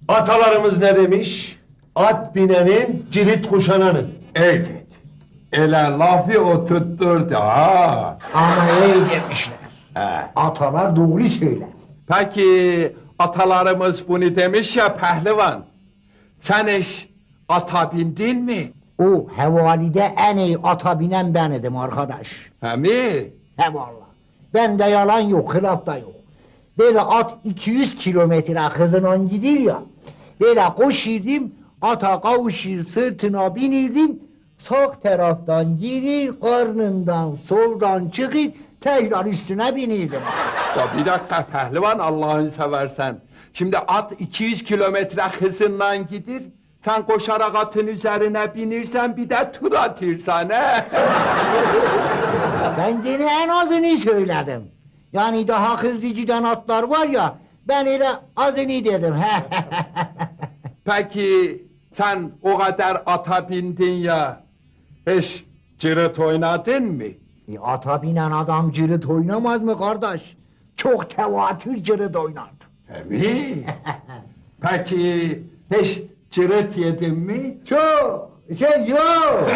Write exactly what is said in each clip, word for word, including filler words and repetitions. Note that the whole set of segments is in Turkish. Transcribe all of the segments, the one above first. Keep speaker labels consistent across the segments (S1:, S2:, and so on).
S1: Atalarımız ne demiş? At binenin, cirit kuşananın.
S2: Evet. Ele lafı o tutturdu ha.
S3: Ama iyi demişler.
S2: He.
S3: Atalar doğru söyler.
S2: Peki atalarımız bunu demiş ya pehlivan. Sen hiç ata bindin mi?
S3: O hevalide en iyi ata binen ben idim arkadaş.
S2: He mi?
S3: He valla. Bende yalan yok, hılaf da yok. Böyle at iki yüz kilometre hızla gidiyor ya. Böyle koşirdim, ata kavuşur sırtına binirdim. Sağ taraftan girir, karnından soldan çıkır, tekrar üstüne binirdim.
S2: Ya bir dakika pehlivan Allah'ını seversen. Şimdi at iki yüz kilometre hızınla gidir. Sen koşarak atın üzerine binirsen bir de tur atırsan he.
S3: Ben gene en azını söyledim. Yani daha hızlı giden atlar var ya, ben öyle azını dedim.
S2: Peki sen o kadar ata bindin ya. Hiç cırıt oynadın mı?
S3: E, ata binen adam cırıt oynamaz mı kardeş? Çok tevatür cırıt oynardı.
S2: He mi? Peki hiç cırıt yedin mi?
S3: Çok şey yok.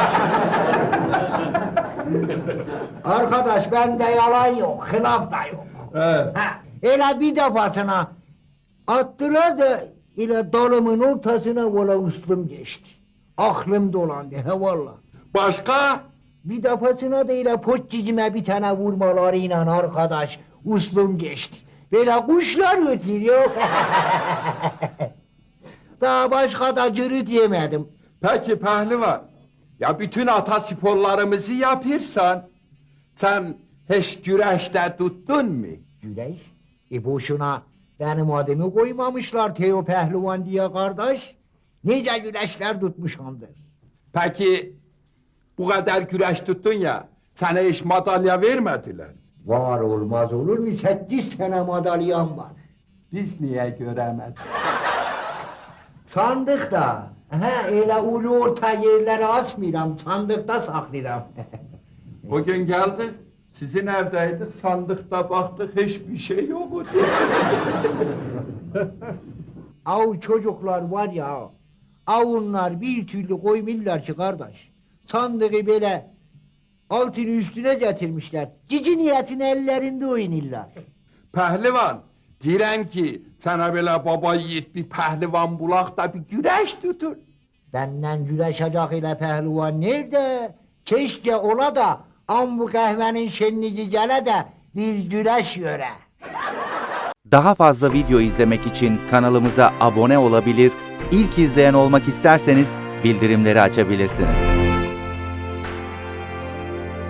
S3: Arkadaş bende yalan yok, hılaf da yok.
S2: Evet.
S3: Ha, öyle bir defasına attılar da ile dalımın ortasına vola uslum geçti. Aklım dolandı he valla.
S2: Başka?
S3: Bir defasına da ile poçcicime bir tane vurmalarıyla arkadaş uslum geçti. Böyle kuşlar ötüyor. Daha başka da cırıt yemedim.
S2: Peki pehlivan. Ya bütün ata sporlarımızı yapırsan sen hiç güreşte tuttun mu?
S3: Güreş? E boşuna benim adımı koymamışlar Teo Pehlivan diye kardeş. Nice güreşler tutmuşamdır.
S2: Peki bu kadar güreş tuttun ya sana hiç madalya vermediler.
S3: Var olmaz olur mu? Sekiz tane madalyam var.
S2: Biz niye göremedik?
S3: Sandıkta. He öyle ulu orta yerlere asmıram. Sandıkta saklıram.
S2: Bugün geldik. Sizin evdeydik. Sandıkta baktık hiçbir şey yoktu.
S3: Av çocuklar var ya. Avunlar bir türlü koymuyorlar ki kardeş. Sandığı böyle altını üstüne getirmişler. Cici niyetin ellerinde oynarlar.
S2: Pehlivan. Diren ki sana böyle baba yiğit bir pehlivan bulak da bir güreş tutun.
S3: Benden güreşecek ile pehlivan nerede? Keşke ola da am bu kahvenin şenliği gele de bir güreş göre.
S4: Daha fazla video izlemek için kanalımıza abone olabilir, ilk izleyen olmak isterseniz bildirimleri açabilirsiniz.